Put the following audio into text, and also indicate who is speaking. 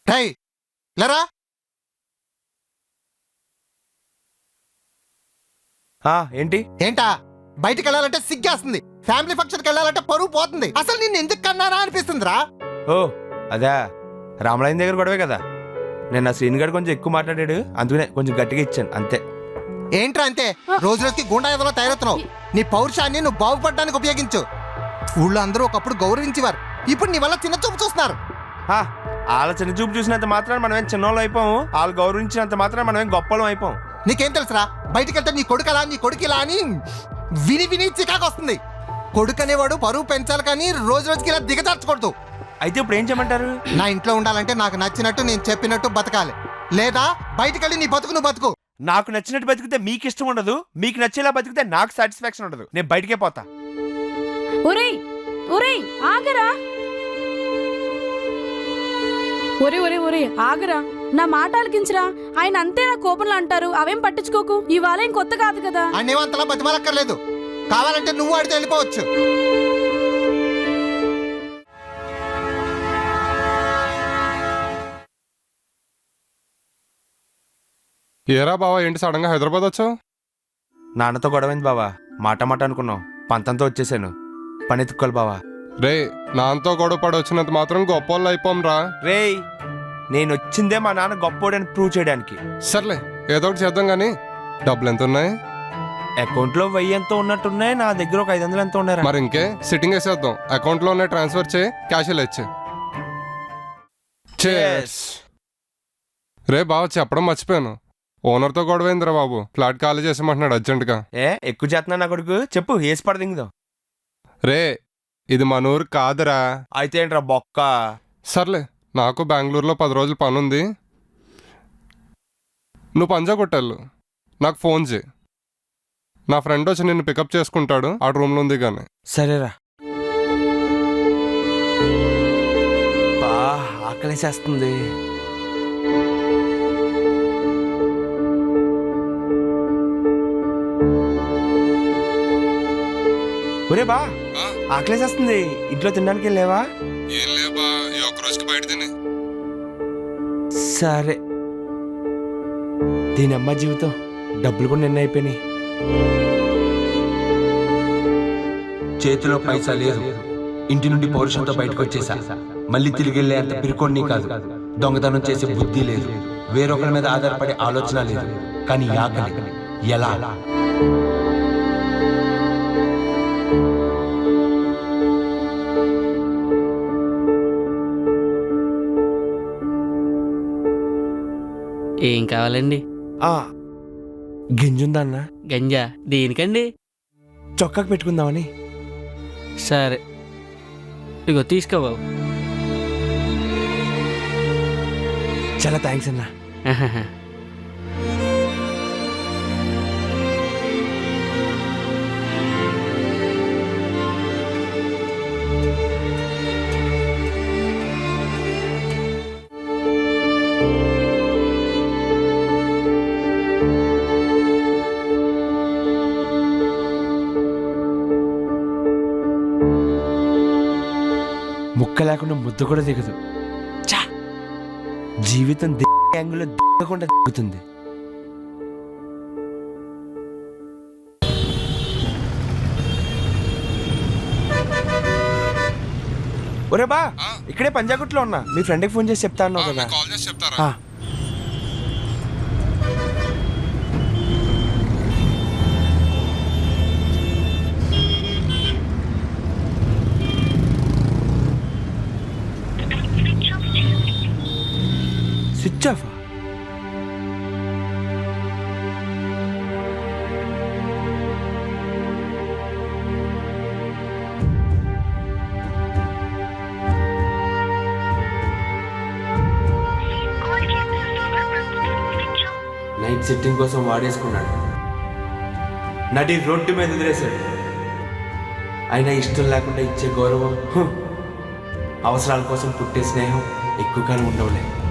Speaker 1: టై లేరా.
Speaker 2: ఏంటి
Speaker 1: ఏంటా బయటికి వెళ్ళాలంటే సిగ్గేస్తుంది, ఫ్యామిలీ ఫంక్షన్కి వెళ్ళాలంటే పరువు పోతుంది. అసలు నిన్ను ఎందుకు కన్నారా అనిపిస్తుందిరా.
Speaker 2: ఓ అదా రామలయం దగ్గర గొడవే కదా. నేను ఆ శ్రీని గారు కొంచెం ఎక్కువ మాట్లాడాడు, అందుకనే కొంచెం గట్టిగా ఇచ్చాను అంతే.
Speaker 1: ఏంట్రా అంతే, రోజు రోజుకి గుండాయుధంలో తయారవుతున్నావు. నీ పౌరుషాన్ని నువ్వు బాగుపడడానికి ఉపయోగించు. ఊళ్ళో అందరూ ఒకప్పుడు గౌరవించేవారు, ఇప్పుడు నీ వల్ల చిన్న చూపు చూస్తున్నారు.
Speaker 2: వాళ్ళ చిన్న చూపు చూసినంత మాత్రం మనమేం చిన్నోళ్ళు అయిపోము, వాళ్ళు గౌరవించినంత మాత్రం మనమేం గొప్పలం అయిపోం.
Speaker 1: నీకేం తెలుసురా, బయటికి వెళ్తే నీ కొడుకు అలా నీ కొడుకు ఇలా అని విని విని చికాకు వస్తుంది. కొడుకు అనేవాడు పరువు పెంచాలి కానీ రోజు రోజుకి ఇలా దిగజార్చకూడదు.
Speaker 2: అయితే ఇప్పుడు ఏం చేయమంటారు?
Speaker 1: నా ఇంట్లో ఉండాలంటే నాకు నచ్చినట్టు నేను చెప్పినట్టు బతకాలి, లేదా బయటికి వెళ్ళి నీ బతుకు నువ్వు బతుకు.
Speaker 2: నాకు నచ్చినట్టు బతికితే మీకు ఇష్టం ఉండదు, మీకు నచ్చేలా బతికితే నాకు సాటిస్ఫాక్షన్ ఉండదు. నేను బయటికే పోతా.
Speaker 3: ఒరేయ్ ఒరేయ్ ఆగరా, ఒరే ఒరే ఒరే ఆగరా, నా మాట ఆలకించరా. ఆయన అంతే నా కోపంలో అంటారు, అవేం పట్టించుకోకు. ఇవాళ ఏం కొత్త కాదు కదా.
Speaker 1: అన్నేమంతలా బతిమాలక్కర్లేదు, కావాలంటే నువ్వు ఆడితే వెళ్ళిపోవచ్చు.
Speaker 4: ఏరా బావా, ఏంటి సడన్ గా హైదరాబాద్ వచ్చావు?
Speaker 2: నాన్నతో గొడవైంది బావా, మాట మాట అనుకున్నాం, పంతంతో వచ్చేసాను. పని ఎత్తుక్కోవాలి బావా.
Speaker 4: రే, నాన్నతో గొడవ పడి వచ్చినంత మాత్రం గొప్పోళ్ళు అయిపోం రా.
Speaker 2: రేయ్, నేను వచ్చిందే మా నాన్న గొప్పోడని ప్రూవ్ చేయడానికి.
Speaker 4: సర్లే, ఏదో ఒకటి చేద్దాం గానీ డబ్బులు ఎంత ఉన్నాయి?
Speaker 2: అకౌంట్ లో 1000 ఎంతో ఉన్నట్టున్నాయి, నా దగ్గర ఒక 500 ఎంతో ఉన్నాయి.
Speaker 4: మరి ఇంకే సిట్టింగ్ వేసేద్దాం. అకౌంట్ లో ఉన్నాయి ట్రాన్స్ఫర్ చేయి, క్యాష్ ఇచ్చే. రే బావ, చెప్పడం మర్చిపోయాను, ఓనర్తో గొడవైందిరా బాబు. ఫ్లాట్ ఖాళీ చేసేమంటున్నాడు అర్జెంటుగా.
Speaker 2: ఎక్కువ చేస్తున్నా నా కొడుకు, చెప్పు ఏసి పడదింగుదో.
Speaker 4: రే, ఇది మన ఊరు కాదురా.
Speaker 2: అయితే ఏంట్రా బొక్క.
Speaker 4: సర్లే, నాకు బెంగళూరులో 10 రోజులు పని ఉంది, నువ్వు పంజా కొట్టాలు, నాకు ఫోన్ చేయి. నా ఫ్రెండ్ వచ్చి నిన్ను పికప్ చేసుకుంటాడు, ఆ రూమ్లో ఉంది కానీ.
Speaker 2: సరేరా. బా ఆకలేసేస్తుంది. ఒరే బా ఆకలేసేస్తుంది, ఇంట్లో తినడానికి లేవా?
Speaker 4: ఏం లేబా, ఈ ఒక్క రోజుకి బయట తిని.
Speaker 2: సరే, దీని అమ్మ జీవితం, డబ్బులు కూడా నిన్న అయిపోయినాయి.
Speaker 5: చేతిలో పైసా లేదు, ఇంటి నుండి పౌరుషంతో బయటకు వచ్చేసా. మళ్ళీ తిరిగి వెళ్ళే అంత పిరుకోడిని కాదు, దొంగతనం చేసే బుద్ధి లేదు, వేరొకరి మీద ఆధారపడే ఆలోచన లేదు. కానీ ఆకలి ఎలా?
Speaker 6: ఏం కావాలండి?
Speaker 2: గింజుందా అన్న?
Speaker 6: గంజా దేనికండి?
Speaker 2: చొక్కాకు పెట్టుకుందామని.
Speaker 6: సరే, ఇగో తీసుకో బాబు.
Speaker 2: చాలా థ్యాంక్స్ అన్న. ముక్క లేకుండా ముద్ద కూడా దిగదు. జీవితం యాంగిల్లో దిగకుండా దిగుతుంది. ఒరే బా, ఇక్కడే పంజాగుట్లో ఉన్నా, మీ ఫ్రెండ్కి ఫోన్ చేసి చెప్తా అన్నావు కదా.
Speaker 4: కాల్ చేసి చెప్తారా?
Speaker 2: Switch off. నైట్ సెట్టింగ్ కోసం వాడేసుకున్నాడు, నడి రోడ్డు మీద వదిలేశాడు. అయినా ఇష్టం లేకుండా ఇచ్చే గౌరవం, అవసరాల కోసం పుట్టే స్నేహం ఎక్కువ కాలం ఉండవులే.